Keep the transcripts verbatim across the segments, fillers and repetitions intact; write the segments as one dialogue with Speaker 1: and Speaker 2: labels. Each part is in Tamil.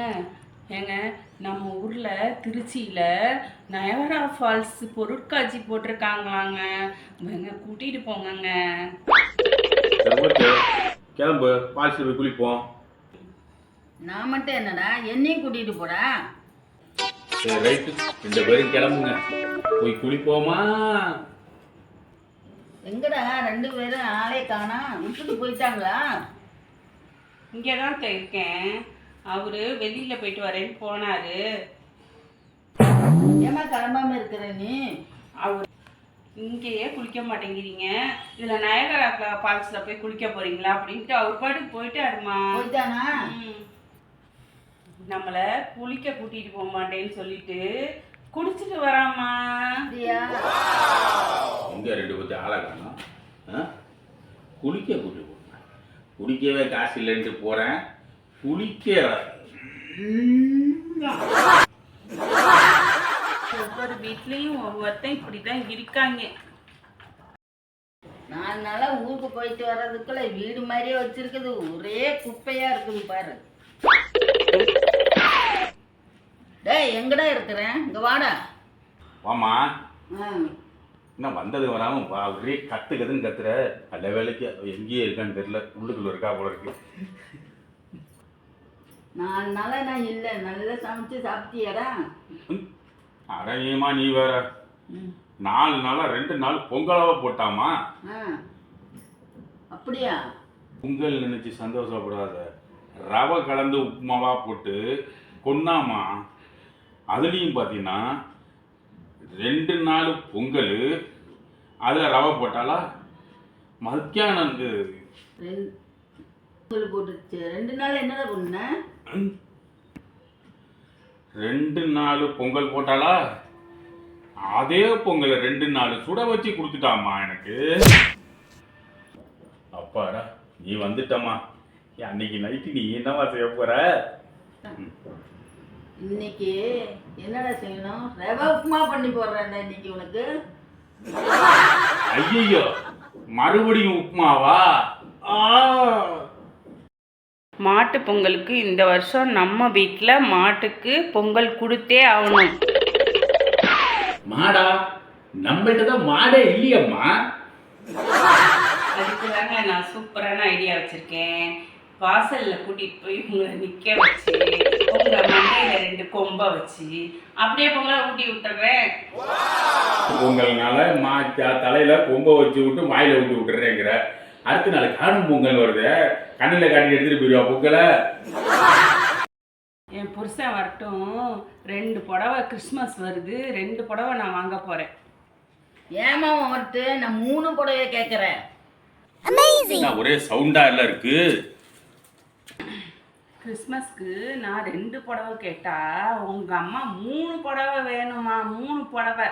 Speaker 1: ஏங்க நம்ம ஊரில் திருச்சியில் நயகரா ஃபால்ஸ் பொருட்காட்சி போட்டிருக்காங்களாங்க. எங்க கூட்டிகிட்டு போங்கங்க.
Speaker 2: கிளம்பு, ஃபால்ஸில் போய் குளிப்போம்.
Speaker 3: நான் மட்டும் என்னடா என்னையும் கூட்டிகிட்டு போடா.
Speaker 2: சரி ரைட்டு, ரெண்டு பேரும் கிளம்புங்க, போய் குளிப்போமா?
Speaker 3: எங்கடா ரெண்டு பேரும் ஆளே காணா, விட்டுட்டு போயிட்டாங்களா?
Speaker 1: இங்கே தான் இருக்கேன். அவரு வெளியில போயிட்டு வரேன்னு போனாரு.
Speaker 3: ஏமா கிளம்பாம இருக்கிற நீ?
Speaker 1: அவர் இங்கேயே குளிக்க மாட்டேங்கிறீங்க, இதுல நயகரா ஃபால்ஸ்ல போய் குளிக்க போறீங்களா அப்படின்ட்டு அவர் பாட்டுக்கு போயிட்டாருமா.
Speaker 3: போயிட்டானா?
Speaker 1: நம்மள குளிக்க கூட்டிட்டு போக மாட்டேன்னு சொல்லிட்டு குடிச்சிட்டு வராமா.
Speaker 2: எங்க ரெண்டு பத்தி ஆளை காணும். குளிக்க கூட்டி போறேன், குடிக்கவே காசு இல்லைன்ட்டு போறேன். குளிக்க
Speaker 1: ஒவ்வொரு வீட்லயும் ஒவ்வொருத்தன் இப்படிதான் இருக்காங்க.
Speaker 3: நாலு நாளா ஊருக்கு போயிட்டு வர்றதுக்குள்ள வீடு மாதிரியே வச்சிருக்குது, ஒரே குப்பையா இருக்குது பாரு. டேய் எங்கடா இருக்கிறேன், இங்க வாடா.
Speaker 2: வாமா. என்ன வந்தது வராம ஒரே கத்துக்கதுன்னு கத்துற. நல்ல வேலைக்கு எங்கேயே இருக்கான்னு தெரியல, உள்ளுக்குள்ள இருக்கா போல இருக்கு.
Speaker 3: நாலு நாளா நான் இல்லை, நல்லா சமைச்சு சாப்பிட்டியாடா?
Speaker 2: அடையமா நீ வேற. நாலு நாளா ரெண்டு நாள் பொங்கலாவா போட்டாமா.
Speaker 3: அப்படியா?
Speaker 2: பொங்கல் நினைச்சு சந்தோஷப்படாத, ரவை கலந்து உப்புமாவா போட்டு கொண்டாமா. அதுலேயும் பார்த்தீங்கன்னா ரெண்டு நாள் பொங்கல், அதில் ரவை போட்டாலா மத்தியானம்
Speaker 3: பொங்கல் போட்டுச்சு. ரெண்டு நாள் என்னடா பண்ண?
Speaker 2: ரெண்டு நாள் பொங்கல் போட்டாலா, அதே பொங்கலை ரெண்டு நாள் சுட வச்சு கொடுத்துட்டாமா எனக்கு. அப்பாடா நீ வந்துட்டம்மா. அன்னைக்கு நைட்டு நீ என்னவா செய்ய போற?
Speaker 3: இன்னைக்கு என்னடா செய்யணும்? ரவை உப்புமா பண்ணி போடுறேன்டா இன்னைக்கு உனக்கு.
Speaker 2: ஐயோ மறுபடியும் உப்புமாவா?
Speaker 1: மாட்டு பொங்கலுக்கு இந்த வருஷம் நம்ம வீட்டில் மாட்டுக்கு பொங்கல் கொடுத்தே ஆகணும்.
Speaker 2: மாடா? நம்மகிட்ட தான் மாடே இல்லையம்மா.
Speaker 1: அதுக்கு தாங்க நான் சூப்பரான ஐடியா வச்சிருக்கேன். வாசல்ல கூட்டிட்டு போய் உங்களை நிக்க வச்சு உங்க மண்டையில ரெண்டு கொம்பை வச்சு அப்படியே பொங்கலை ஊட்டி விட்டுறேன்.
Speaker 2: பொங்கல்னால மா தலையில கொம்பை வச்சு விட்டு வாயில ஊட்டி விட்டுறேங்கிற. அடுத்த நாள் காணும் பொங்கல் வருது, கண்ணில் காட்டி எடுத்துட்டு போயிடுவா பொங்கலை.
Speaker 1: என் புருஷன் வரட்டும், ரெண்டு புடவை கிறிஸ்மஸ் வருது, ரெண்டு புடவை நான் வாங்க போறேன்.
Speaker 3: ஏமா வரட்டு, நான் மூணு புடவை கேட்கறேன்.
Speaker 2: ஒரே சவுண்டா எல்லாம் இருக்கு.
Speaker 1: கிறிஸ்மஸ்க்கு நான் ரெண்டு புடவை கேட்டா உங்க அம்மா மூணு புடவை வேணுமா? மூணு புடவை.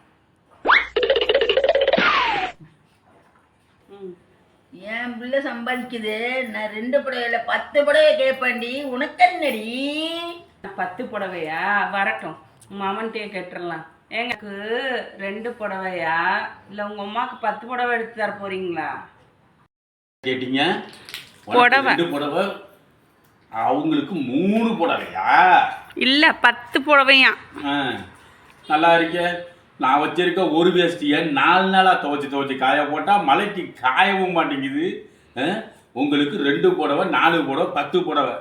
Speaker 3: என் பிள்ளை சம்பாதிக்குது, நான் ரெண்டு புடவையில பத்து புடவை கேட்பேன்டி. உனக்கு என்னடி?
Speaker 1: பத்து புடவையா? வரட்டும், மாமன்ட்டே கேட்டுடலாம். எனக்கு ரெண்டு புடவையா இல்லை உங்க அம்மாவுக்கு பத்து புடவை எடுத்து தர போறீங்களா?
Speaker 2: கேட்டீங்க,
Speaker 1: புடவை
Speaker 2: புடவை அவங்களுக்கு மூணு புடவையா?
Speaker 1: இல்ல பத்து புடவையா?
Speaker 2: நல்லா இருக்க. நான் வச்சிருக்க ஒரு வேஷ்டியை நாலு நாளா துவைச்சு துவைச்சு காய போட்டா மழைக்கு காயவும் மாட்டேங்குது. உங்களுக்கு ரெண்டு புடவை, நாலு புடவை, பத்து புடவை.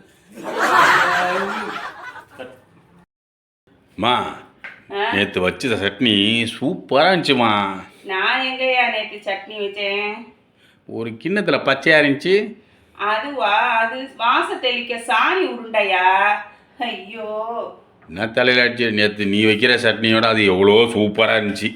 Speaker 2: மா நேற்று வச்ச சட்னி சூப்பராக இருந்துச்சுமா.
Speaker 1: நான் எங்கயா நேற்று சட்னி வச்சேன்?
Speaker 2: ஒரு கிண்ணத்தில் பச்சையாக இருந்துச்சு.
Speaker 1: அதுவா? அது வாச தெளிக்க சாணி உருண்டையா? ஐயோ
Speaker 2: என்ன தலையில் அடிச்சு. நேற்று நீ வைக்கிற சட்னியோட அது எவ்வளோ சூப்பராக இருந்துச்சு.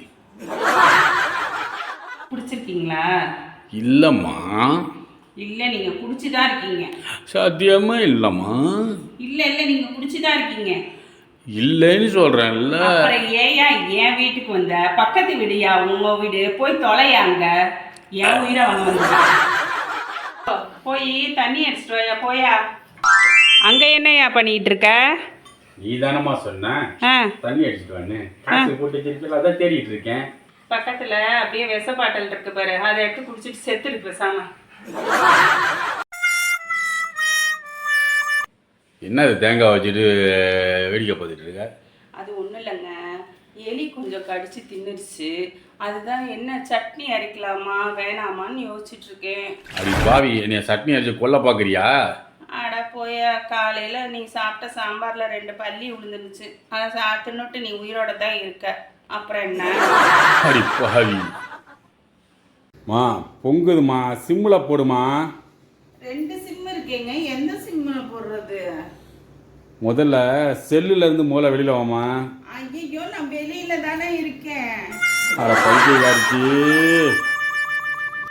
Speaker 1: குடிச்சிருக்கீங்களா?
Speaker 2: இல்லைம்மா.
Speaker 1: இல்லை நீங்கள் குடிச்சுதான் இருக்கீங்க.
Speaker 2: சத்தியமா இல்லைம்மா.
Speaker 1: இல்லை இல்லை நீங்கள் குடிச்சுதான் இருக்கீங்க.
Speaker 2: இல்லைன்னு சொல்கிறேன்ல.
Speaker 1: அப்புறம் ஏயா என் வீட்டுக்கு வந்த? பக்கத்து வீடுயா உங்க வீடு, போய் தொலையாங்க. என் உயிரை வாங்க போய் தண்ணி அடிச்சிட்டு வாயா. போயா. அங்க என்னையா பண்ணிட்டு இருக்க?
Speaker 2: நீ தானம்மா சொன்ன தண்ணி அடிச்சிட்டு வான்னு. காசு போட்டு வச்சிருக்கல, அதான் தேடிட்டு இருக்கேன்.
Speaker 1: பக்கத்துல அப்படியே விஷ பாட்டல் இருக்கு பாரு, அதை எடுத்து குடிச்சிட்டு செத்துரு பேசாம.
Speaker 2: என்ன இது தேங்காய் வச்சுட்டு வேடிக்கை பார்த்துட்டு இருக்க?
Speaker 1: அது ஒன்றும் இல்லைங்க, எலி கொஞ்சம் கடிச்சு தின்னுடுச்சு. அதுதான் என்ன சட்னி அரைக்கலாமா வேணாமான்னு யோசிச்சுட்டு இருக்கேன்.
Speaker 2: அப்படி பாவி என்னைய சட்னி அரைச்சு கொல்ல பார்க்குறியா?
Speaker 1: அட போய, காலையில் நீ சாப்பிட்ட சாம்பாரில் ரெண்டு பல்லி விழுந்துருச்சு. அதை சாப்பிட்டுன்னுட்டு நீ உயிரோட தான் இருக்க. அப்புறம் என்ன?
Speaker 2: அப்படி பாவி. மா பொங்குதுமா, சிம்மில் போடுமா.
Speaker 1: ரெண்டு சிம் இருக்கேங்க, எந்த சிம்மில் போடுறது?
Speaker 2: முதல்ல செல்லுல இருந்து மூளை வெளியில வாமா.
Speaker 1: ஐயோ, நான் வெளியில தானே இருக்கேன்.
Speaker 2: அட பைத்தியக்காரிச்சி.